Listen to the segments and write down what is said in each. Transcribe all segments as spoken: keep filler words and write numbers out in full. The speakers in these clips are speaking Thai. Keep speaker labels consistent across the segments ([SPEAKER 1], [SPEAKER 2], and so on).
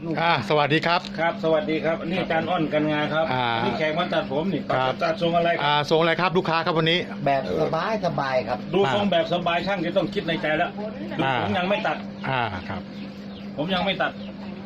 [SPEAKER 1] อ่าสวัสดีครับ
[SPEAKER 2] ครับสวัสดีครับนี่อาจารย์อ้อนกันงานครับ
[SPEAKER 1] อ่า
[SPEAKER 2] นี่แขกมาตัดผมนี่
[SPEAKER 1] ครับ
[SPEAKER 2] ตัดทรงอะไรค
[SPEAKER 1] อ่า
[SPEAKER 2] รับ
[SPEAKER 1] ส่งอะไรครับลูกค้าครับวันนี้
[SPEAKER 3] แบบสบายสบายครับ
[SPEAKER 2] ดูทรงแบบสบายช่างจะต้องคิดในใจแล้วดู
[SPEAKER 1] อ่า
[SPEAKER 2] ผมยังไม่ตัด
[SPEAKER 1] อ่าครับ
[SPEAKER 2] ผมยังไม่ตัด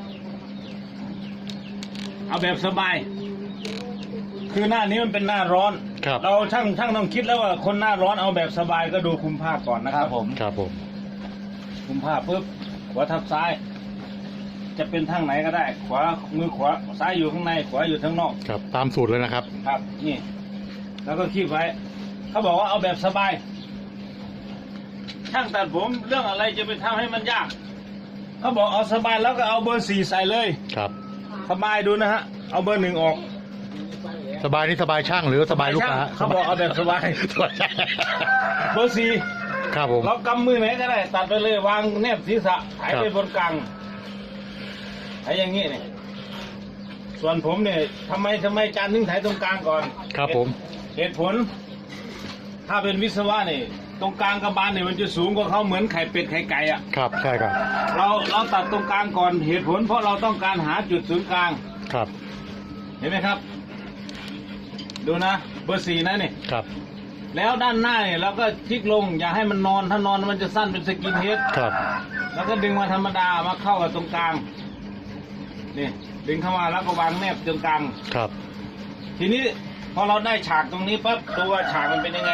[SPEAKER 2] เอาแบบสบาย คือหน้านี้มันเป็นหน้าร้อน
[SPEAKER 1] ครับ
[SPEAKER 2] เราช่างช่างต้องคิดแล้วว่าคนหน้าร้อนเอาแบบสบายก็ดูคุมผ้าก่อนนะครับผม
[SPEAKER 1] ครับผม
[SPEAKER 2] คุมผ้าปุ๊บหัวทับซ้าย จะเป็นทางไหนก็ได้ ขวามือขวาซ้ายอยู่ข้างในขวาอยู่ข้างนอก
[SPEAKER 1] ครับตามสูตรเลยนะครับ
[SPEAKER 2] ครับนี่ แล้วก็คีบไว้ เขาบอกว่าเอาแบบสบาย ช่างตัดผมเรื่องอะไรจะไปทำให้มันยาก เขาบอกเอาสบายแล้วก็เอาเบอร์สี่ใส่เลย
[SPEAKER 1] ครับ
[SPEAKER 2] สบายดูนะฮะ เอาเบอร์หนึ่งออก
[SPEAKER 1] สบายนี่สบายช่างหรือสบายลูกค้า
[SPEAKER 2] เขาบอกเอาแบบสบาย
[SPEAKER 1] สบายช่าง
[SPEAKER 2] เบอร์สี่
[SPEAKER 1] ครับผม
[SPEAKER 2] เรากำมือไหนก็ได้ ตัดไปเลยวางแนบศีรษะถ่ายไปบนกลางถ่ายอย่างนี้เนี่ยส่วนผมเนี่ยทำไมทำไมจานถึงถ่ายตรงกลางก่อน
[SPEAKER 1] ครับผม
[SPEAKER 2] เหตุผล ถ้าเป็นวิศวะนี่ตรงกลางกระบาลเนี่ยมันจะสูงกว่าเขาเหมือนไข่เป็ดไข่ไก่อะ
[SPEAKER 1] ครับใช่ครับ
[SPEAKER 2] เราเราตัดตรงกลางก่อนเหตุผล เพราะเราต้องการหาจุดศูนย์กลาง
[SPEAKER 1] ครับ
[SPEAKER 2] เห็นไหมครับ ดูนะเบอร์สี่นะนี่
[SPEAKER 1] ครับ
[SPEAKER 2] แล้วด้านหน้าเนี่ยเราก็คลิกลง อย่าให้มันนอนถ้านอนมันจะสั้นเป็นสกินเฮด
[SPEAKER 1] ครับ
[SPEAKER 2] แล้วก็ดึงมาธรรมดามาเข้ากับตรงกลางนี่ดึงเข้ามาแล้วก็วางแนบตรงกลาง
[SPEAKER 1] ครับ
[SPEAKER 2] ทีนี้พอเราได้ฉากตรงนี้ปั๊บตัวฉากมันเป็นยังไง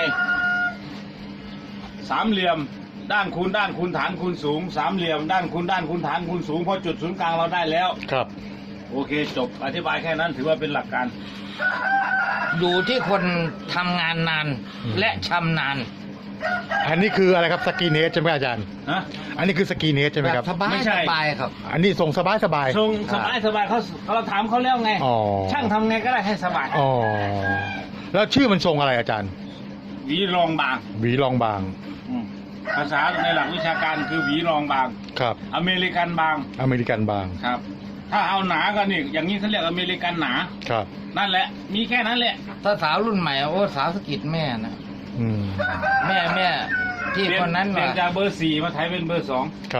[SPEAKER 2] สามเหลี่ยม ด้านคูณด้านคูณฐานคูณสูง สามเหลี่ยม ด้านคูณด้านคูณฐานคูณสูงพอจุดศูนย์กลางเราได้แล้ว
[SPEAKER 1] ครับ
[SPEAKER 2] โอเคจบอธิบายแค่นั้นถือว่าเป็นหลักการ
[SPEAKER 3] อยู่ที่คนทำงานนาน
[SPEAKER 1] อืม
[SPEAKER 3] และชำนาญ
[SPEAKER 1] อันนี้คืออะไรครับสกีเนสใช่ไหมอาจารย์
[SPEAKER 2] ฮะ
[SPEAKER 1] อันนี้คือสกีเนสใช่ไหม
[SPEAKER 3] แบ
[SPEAKER 1] ครับ
[SPEAKER 3] บสบาย
[SPEAKER 2] ไม่ใช่
[SPEAKER 3] สบายครับ
[SPEAKER 1] อันนี้ส่งสบายสบาย
[SPEAKER 2] ทรงสบายสบายเขาเราถามเขาแล้วไง
[SPEAKER 1] อ๋อ
[SPEAKER 2] ช่างทำไงก็ได้ให้สบาย
[SPEAKER 1] อ๋อแล้วชื่อมันทรงอะไรอาจารย์
[SPEAKER 2] หวีรองบาง
[SPEAKER 1] หวีรองบาง
[SPEAKER 2] อืมภาษาในหลักวิชาการคือหวีรองบาง
[SPEAKER 1] ครับ
[SPEAKER 2] อเมริกันบาง
[SPEAKER 1] อเมริกันบาง
[SPEAKER 2] ครับ ถ้าเอาหนาก็นี่อย่างนี้เขาเรียกอเมริกันหนา
[SPEAKER 1] ครับ
[SPEAKER 2] นั่นแหละ มีแค่นั้นแหละ
[SPEAKER 3] ถ้าสาวรุ่นใหม่โอ้สาวสะกิดแม่นะ
[SPEAKER 1] อืม
[SPEAKER 3] แม่แม่ที่คนนั้น
[SPEAKER 2] เปลี่ยน
[SPEAKER 3] ว่า
[SPEAKER 2] จากเบอร์สี่มาถ่ายเป็นเบอร์สอง
[SPEAKER 1] ครับ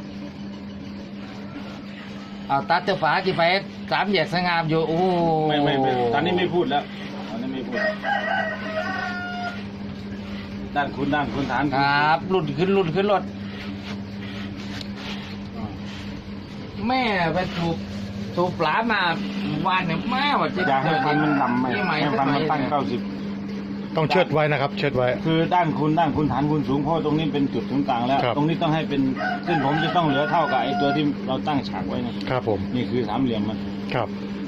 [SPEAKER 3] เอาตัดเจ้าฝาที่ไปสามแยกสงามอยู่โอ้
[SPEAKER 2] ไม่ไม่ไม่ตอนนี้ไม่พูดแล้วตอนนี้ไม่พูด ด้านคุณด้านคุณฐาน
[SPEAKER 3] ค
[SPEAKER 2] ณ
[SPEAKER 3] รับรุ่นขึ้นรุ่นขึ้นรถแม่ไปถูกถูกปลามาวานเนี่ยแม่ว่าจะ
[SPEAKER 2] อยากให้ฟันมันดำไหม
[SPEAKER 3] ที่ใหม่
[SPEAKER 2] ให้ฟันมันตั้งเก้าสิบ
[SPEAKER 1] ต้องเชิดไว้นะครับ เชิดไว้
[SPEAKER 2] คือด้านคุณด้านคุณฐานคุณสูงเพราะตรงนี้เป็นจุดศูนย์กลางแล้ว
[SPEAKER 1] ครับ
[SPEAKER 2] ตรงนี้ต้องให้เป็นเส้นผมจะต้องเหลือเท่ากับไอ้ตัวที่เราตั้งฉากไว้นะครับ
[SPEAKER 1] ผม
[SPEAKER 2] นี่คือสามเหลี่ยมมัน
[SPEAKER 1] ครับ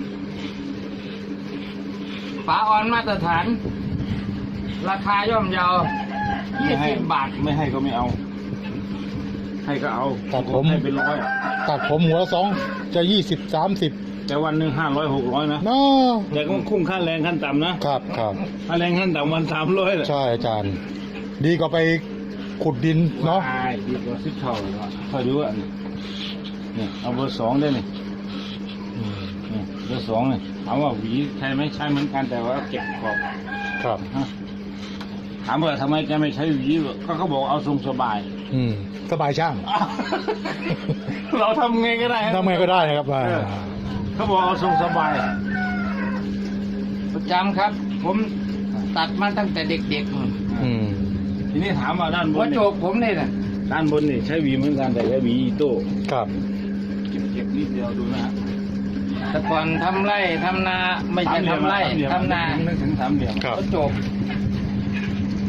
[SPEAKER 3] ฝาออนมาตรฐาน ราคาย่อมเยายี่
[SPEAKER 2] ไม่ให้
[SPEAKER 3] สิบบาท
[SPEAKER 2] ไม่ให้ก็ไม่เอา ให้ก็เอา
[SPEAKER 1] ตัดผม
[SPEAKER 2] ให้เป็นร้อย
[SPEAKER 1] ตัดผมหัวละสองจะยี่สิบสามสิบ
[SPEAKER 2] แต่วันหนึ่งห้าร้อยหกร้อยนะ
[SPEAKER 1] เนาะ
[SPEAKER 2] แต่ก็คุ้มค่าแรงขั้นต่ำนะครับ
[SPEAKER 1] ครับ
[SPEAKER 2] ค่าแรงขั้นต่ำวันสามร้อยเลย
[SPEAKER 1] ใช่อาจารย์ ดีกว่าไปขุดดินเนาะ
[SPEAKER 2] ใช่ดีกว่าสิบเท่าเลยว่ะคอยดูอ่ะนี่นี่เอาเบอร์สองได้นี่
[SPEAKER 1] อืม
[SPEAKER 2] นี่เบอร์สองนี่ถามว่าหวีใช่ไหมใช่เหมือนกันแต่ว่าเก็บขอบ
[SPEAKER 1] ครับ
[SPEAKER 2] ฮะถามว่าทำไมแกไม่ใช้หวีก็เขาบอกเอาทรงสบาย
[SPEAKER 1] อืมสบายช่าง
[SPEAKER 2] เราทำไงก็ได้ฮะ
[SPEAKER 1] ทำไงก็ได้นะครับว่า
[SPEAKER 2] เออ เขาบอกเอาทรงสบาย
[SPEAKER 3] ประจำครับ ผมตัดมาตั้งแต่เด็กๆนู่น
[SPEAKER 1] อืม
[SPEAKER 2] ทีนี้ถามว่าด้านบ
[SPEAKER 3] หัวน โจ
[SPEAKER 2] นี่
[SPEAKER 3] กผมนี่นะ
[SPEAKER 2] ด้านบนนี่ใช้หวีเหมือนกันแต่ใช้หวีอีโต้
[SPEAKER 1] ครับ
[SPEAKER 2] เก็บเก็บนิดเดียวดูนะฮะ
[SPEAKER 3] แต่ก่อนทำไร่ทำนาไม่ใช่ทำไร่
[SPEAKER 2] สามเหลี่ยม
[SPEAKER 3] ทำนา
[SPEAKER 2] นึกถึงสามเหลี่ยม
[SPEAKER 1] ครับ
[SPEAKER 3] หัวโจก